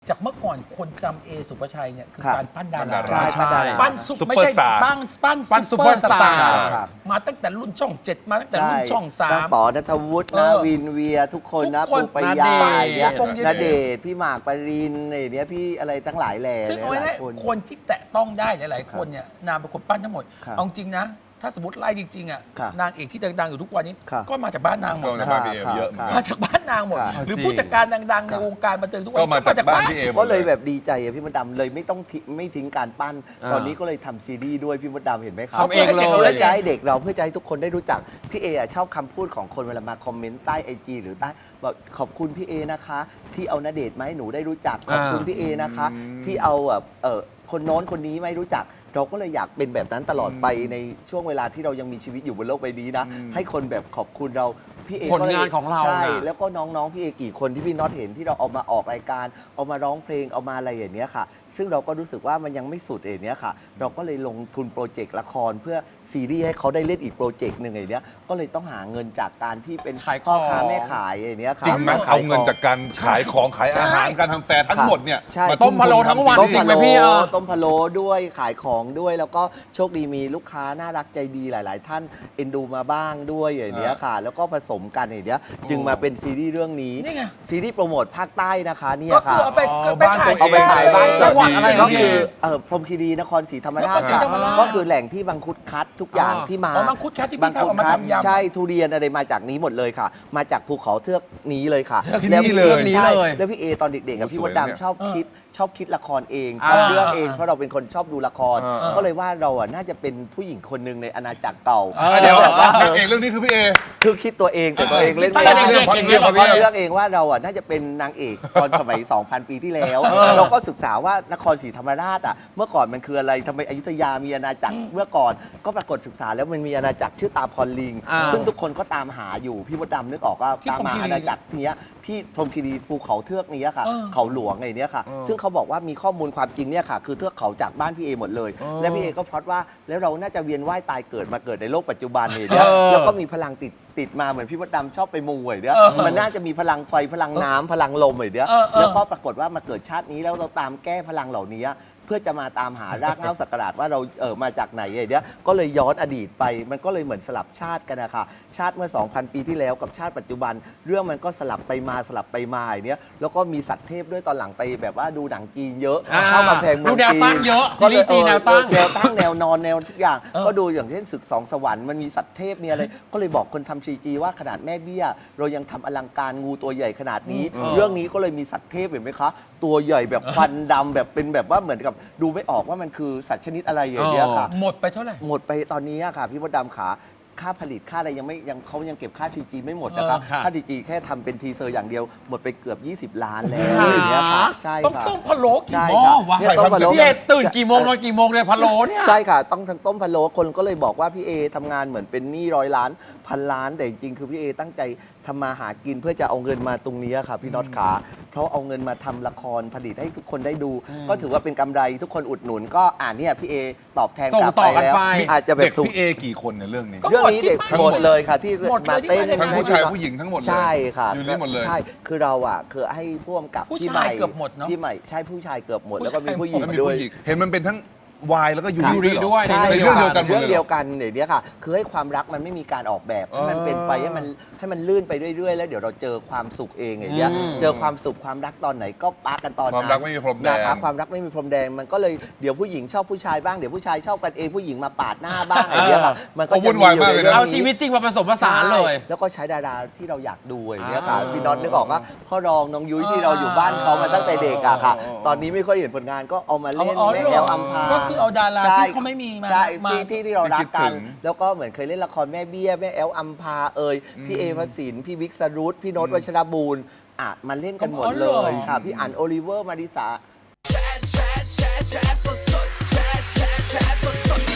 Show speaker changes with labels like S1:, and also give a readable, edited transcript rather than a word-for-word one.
S1: จากเมื่อก่อนคนจำเอสุภาชัยเนี่ยคือการปั้นดารา
S2: ใช่ปั้นดารา
S1: ปั้นซุปไม่ใช่ปั้นซุปเปอร์สตาร์
S2: ครับ
S1: มาตั้งแต่รุ่นช่อง 7 มาตั้งแต่รุ่นช่อง
S2: ตั้ง
S1: 3
S2: ป๋อณัฐวุฒินะวินเวียทุกคนนะ
S1: ทุกคน
S2: ปูปายา
S1: ณเดชน์
S2: เนี่ย
S1: ปงเดชน์
S2: ณเดชน์พี่หมากปรินไอ้เนี่ยพี่อะไรทั้งหลายแหล่
S1: ซึ่งเอา
S2: ห
S1: ไว้
S2: ลาย
S1: ให้
S2: คน
S1: คนที่แตะต้องได้หลายๆคนเนี่ยนางเป็นคนปั้นทั้งหมด
S2: ครับ
S1: เอาจริงนะ ถ้าสมมติไล่จริงๆอ่ะ
S2: ครับ
S1: นางเอกที่ดังๆอยู่ทุกวันนี้
S2: ครับ
S1: ก็มาจากบ้านนางหมด
S3: ก็
S1: นะ
S3: มาจากบ้านพี่เอเยอะเหมือนกัน
S1: มาจากบ้านนางหมด
S2: ครับ
S1: หรือ
S3: จริง
S1: ผู้จัดการดังๆในวงการบันเทิงทุกวัน
S3: ก็
S1: นี้
S3: มา
S1: ก็มา
S3: จา
S1: จาก ก
S3: บ้า
S1: บ้าน น
S3: พี่เอหมด
S2: ก็เลยแบบดีใจอะพี่มดดำเลยไม่ต้องไม่ทิ้งการปั้น
S4: อ่า
S2: ตอนนี้ก็เลยทำซีรีส์ด้วยพี่มดดำเห็นไหมครับ
S4: ทำเองเลย
S2: เพื่อจะให้เด็กเราเพื่อจะให้ทุกคนได้รู้จักพี่เออะชอบคำพูดของคนเวลามาคอมเมนต์ใต้ไอจีหรือใต้บอกขอบคุณพี่เอนะคะ ที่เอาณเดชน์มาให้หนูได้รู้จักขอบคุณพี่เอนะคะ ที่เอาแบบคนโน้นคนนี้ไม่รู้จัก เราก็เลยอยากเป็นแบบนั้นตลอดไปในช่วงเวลาที่เรายังมีชีวิตอยู่บนโลกใบนี้นะ ให้คนแบบขอบคุณเราพี่เอ
S4: ผลงานของเรา
S2: ใช่
S4: น่ะ
S2: แล้วก็น้องๆพี่เอกี่คนที่พี่น็อตเห็นที่เราเอามาออกรายการเอามาร้องเพลงเอามาอะไรอย่างเนี้ยค่ะ ซึ่งเราก็รู้สึกว่ามันยังไม่สุดอย่างเนี้ยค่ะ เราก็เลยลงทุนโปรเจกต์ละครเพื่อซีรีส์ให้เขาได้เล่นอีกโปรเจกต์หนึ่งอย่างเนี้ยก็เลยต้องหาเงินจากการที่เป็น
S4: ขายของ
S2: พ่อค้าแม่ขายอย่างเนี้ยค่ะ
S3: จริงไหม
S2: ข
S3: เอา
S2: ย
S3: เงินจากการขายของขายอาหารการทำแฟร์ทั้งหมดเนี่ย
S2: ใช่
S3: มา
S4: ต้มพะโล้ทั้งวัน
S2: ต้ม
S4: จริ
S2: พะ
S4: งไหม
S2: โล้
S4: พี่
S2: ต้มพะโล้ด้วยขายของด้วยแล้วก็โชคดีมีลูกค้าน่ารักใจดีหลาย ๆ ท่านเอ็นดูมาบ้างด้วยอย่างเนี้ยค่ะ แล้วก็ผสมกันอย่างเนี้ยจึงมาเป็นซีรีส์เรื่องนี้
S1: นี่ไง
S2: ซีรีส์โปรโมทภาคใต้นะคะเนี่ย
S1: ก็คื
S2: ค่ะ
S1: อเอาไป
S4: บ้าน
S1: ถ่าย
S2: เอาไปถ่ายบ้าน
S4: จังหวัดอะไร
S2: ก็
S4: พี่
S2: คือพรหมคีรีนครศรีธรรมราช
S1: นครศรีธรรมราช
S2: ก็คือแหล่งที่บังคุดคัดทุกอย่างที่มา
S1: อ๋อมังคุดคัดที่พี่
S2: บังคุด
S1: ทำเอามา
S2: คัด
S1: ทำยำ
S2: ใช่ทุเรียนอะไรมาจากนี้หมดเลยค่ะ มาจากภูเขาเทือกนี้เลยค่ะ
S3: ที่
S2: แล้ว
S3: นี่
S2: พี่
S3: เลย
S2: ใช่
S4: เลย
S2: แล้วพี่เอตอนเด็กๆกับ
S3: โอ้
S2: พี่
S3: ส
S2: ม
S3: วย
S2: ด
S3: เนี่ย
S2: ดำชอบคิดละครเอง
S4: อ่า
S2: ทำเรื่องเองเพราะเราเป็นคนชอบดูละคร
S3: อ่า
S2: ก็เลยว่าเราอ่ะน่าจะเป็นผู้หญิงคนหนึ่งในอาณาจักรเก่า
S3: เดี๋ยว
S2: แบบว่า
S3: นางเอกเรื่องนี้คือพี่เอ
S2: คือคิดตัวเองแต่ตัวเองเล่นไม่
S4: ตั้ง
S2: ได้
S4: แต่เด็กๆอย่างเงี้ยเหรอ
S2: เพราะ
S4: พี่
S2: เลือกเองว่าเราอ่ะน่าจะเป็นนางเอกตอนสมัย 2,000 ปีที่แล้ว เราก็ศึกษาว่านครศรีธรรมราชอ่ะเมื่อก่อนมันคืออะไรทำไมอยุธยามีอาณาจักรเมื่อก่อนก็ปรากฏศึกษาแล้วมันมีอาณาจักรชื่อตาพรลิง
S4: อ่า
S2: ซึ่งทุกคนก็ตามหาอยู่พี่มดดำนึกออกว่า
S1: ที่
S2: ตามหา
S1: พรหมคีรี
S2: อาณาจักรเนี้ยที่พรหมคีรีภูเขาเทือกนี้ค่ะ
S1: เออ
S2: เขาหลวงไงเนี้ยค่ะ ซึ่งเขาบอกว่ามีข้อมูลความจริงเนี่ยค่ะ คือเทือกเขาจากบ้านพี่เอหมดเลย และพี่เอก็พล็อตว่าแล้วเราน่าจะเวียนว่ายตายเกิดมาเกิดในโลกปัจจุบันเนี่ยแล้วก็มีพลังติดมาเหมือนพี่มดดำชอบไปมูไอ้เนี่ยมันน่าจะมีพลังไฟพลังน้ำพลังลมไอ้เนี่ยแล้วก็ปรากฏว่ามาเกิดชาตินี้แล้วเราตามแก้พลังเหล่านี้เพื่อจะมาตามหารากเหง้าศักราชว่าเรามาจากไหนไอ้เนี่ยก็เลยย้อนอดีตไปมันก็เลยเหมือนสลับชาติกันนะคะชาติเมื่อ 2,000 ปีที่แล้วกับชาติปัจจุบัน เรื่องมันก็สลับไปมาอย่างเนี้ยแล้วก็มีสัตว์เทพด้วยตอนหลังไปแบบว่าดูหนังจีนเยอะ
S4: อ่า
S2: เข้ากำแพงเมือง
S4: ดูแนว
S2: จีน
S4: ตั้งเยอะ
S2: ก็เลย
S4: ซีรีส์จีนแนวตั้ง
S2: แนวตั้งแนวนอนแนวทุกอย่าง ก็ดูอย่างเช่นศึกสองสวรรค์มันมีสัตว์เทพมีอะไร ก็เลยบอกคนทำซีจีว่าขนาดแม่เบี้ย เรายังทำอลังการงูตัวใหญ่ขนาดนี้ เรื่องนี้ก็เลยมีสัตว์เทพเห็นไหมคะ ตัวใหญ่แบบควันดำแบบเป็นแบบว่าเหมือนกับดูไม่ออกว่ามันคือสัตว์ชนิดอะไรอย่างเงี้ยค่ะ
S1: หมดไปเท่าไหร่
S2: หมดไปตอนนี้อะค่ะ พี่มดดำขาค่าผลิตค่าอะไรเขายังเก็บค่าทีจีไม่หมดนะครับ
S4: ค่ะ
S2: ค่าทีจีแค่ทำเป็นทีเซอร์อย่างเดียวหมดไปเกือบ 20 ล้านแล้ว
S4: ค่ะ
S2: อย่างเงี้ยค่ะใช่
S1: ต้อง
S2: ค่ะ
S1: ต้มพะโล้กี่
S2: ใช่
S1: หม้อ
S2: ค่ะ
S1: วะ
S2: เนี่ยต้มพะโล้
S4: พี่เอตื่นกี่โมงนอนกี่โมงเนี่ยพะโล้เนี่ย
S2: ใช่ค่ะ ต้องทั้งต้มพะโล้คนก็เลยบอกว่าพี่เอทำงานเหมือนเป็นหนี้100 ล้านพันล้านแต่จริงๆคือพี่เอตั้งใจทำมาหากินเพื่อจะเอาเงินมาตรงนี้ค่ะพี่น็อตขาเพราะเอาเงินมาทำละครผลิตให้ทุกคนได้ดู ก็ถือว่าเป็นกำไรทุกคนอุดหนุนก็เนี่ยพี่เอตอบแทน
S4: ส่ง
S2: กลับ
S4: ต่
S2: ไป
S4: อกัน
S2: แล้ว
S4: ไป
S2: อาจจะแบ
S3: เด็
S2: บ
S3: ก
S2: ถูก
S3: พี่เอกี่คนในเรื่องนี้
S1: ก็
S2: เรื่องนี้เด็ก
S1: ทั้ง
S2: ห
S1: ห
S2: ม
S1: ม
S2: ด
S1: ด
S2: เลยค่ะที่
S1: หมดเลย
S2: มาเต้น
S1: ที่มาเล่น
S3: ทั้งผู้ชายผู้หญิงทั้งหมดเลย
S2: ใช่ค่ะ
S3: อยู่นี่หมดเลย
S2: ใช่คือเราอ่ะคือให้พ่วงกับ
S1: ผู้
S2: พี่
S1: ชาย
S2: ใหม่
S1: เกือบหมดเนอะ
S2: พี่ใหม่ใช่ผู้ชายเกือบหมด
S1: ผู้
S2: แล้วก็มี
S1: ชาย
S2: ผู้หญิง
S3: แล้วมี
S2: ด้วย
S3: ผู้หญิงเห็นมันเป็นทั้งวายแล้วก็ยู
S4: ยูริ
S3: ริ
S4: ด้วย
S2: ใช่
S3: ในเรื่องเดียวกันหมด
S2: เรื่อง
S3: เลย
S2: เดียวกันอย่างเนี้ยค่ะ คือให้ความรักมันไม่มีการออกแบบให้มันเป็นไปให้มันลื่นไปเรื่อยๆแล้วเดี๋ยวเราเจอความสุขเองอย่างเงี้ย เจอความสุขความรักตอนไหนก็ปากันตอนนั้น
S3: ความรักไม่มีพรมแดง
S2: นะคะความรักไม่มีพรมแดงมันก็เลยเดี๋ยวผู้หญิงชอบผู้ชายบ้างเดี๋ยวผู้ชายชอบกันเองผู้หญิงมาปาดหน้าบ้างอะไรเงี้ยค่ะมันก็
S3: โอ้วุ่
S2: จะ
S3: น
S2: มี
S3: วาย
S2: อยู่
S3: มาก
S2: ใน
S3: เลยนะ
S2: เรื่อง
S4: เอา
S2: นี้
S4: ชีวิตจริงมาผสมผสานเลย
S2: ใช่แล้วก็ใช้ดาราที่เราอยากดูอย่างเงี้ยค่ะ
S4: อ่า
S2: พี่น็อตนึกออกว่าพ่อรองน้องยุ้ยที่เราอยู่บ้านเขามาตั้งแต่เด็กอะค่ะ
S3: อ๋อ
S2: ตอนนี้ไม่ค่อยเห็นผลงานก็เอามาเล่น
S1: อ๋อ
S2: แม่
S1: เหรอ
S2: แอลอัมพา
S1: ก็คือเอาดารา
S2: ใช่
S1: ที่เขาไม่มีมา
S2: ใช่
S1: มา
S2: ที่เรารักกัน
S3: ที่คิดถึง
S2: แล้วก็เหมือนเคยเล่นละครแม่เบี้ยแม่แอลอัมพาพี่เอพระสินพี่บิ๊กสรุตพี่โน้ตวัชรบูรณ์มาเล่นกันหมดเลยค่ะพี่อั๋นโอลิเวอร์มาริสา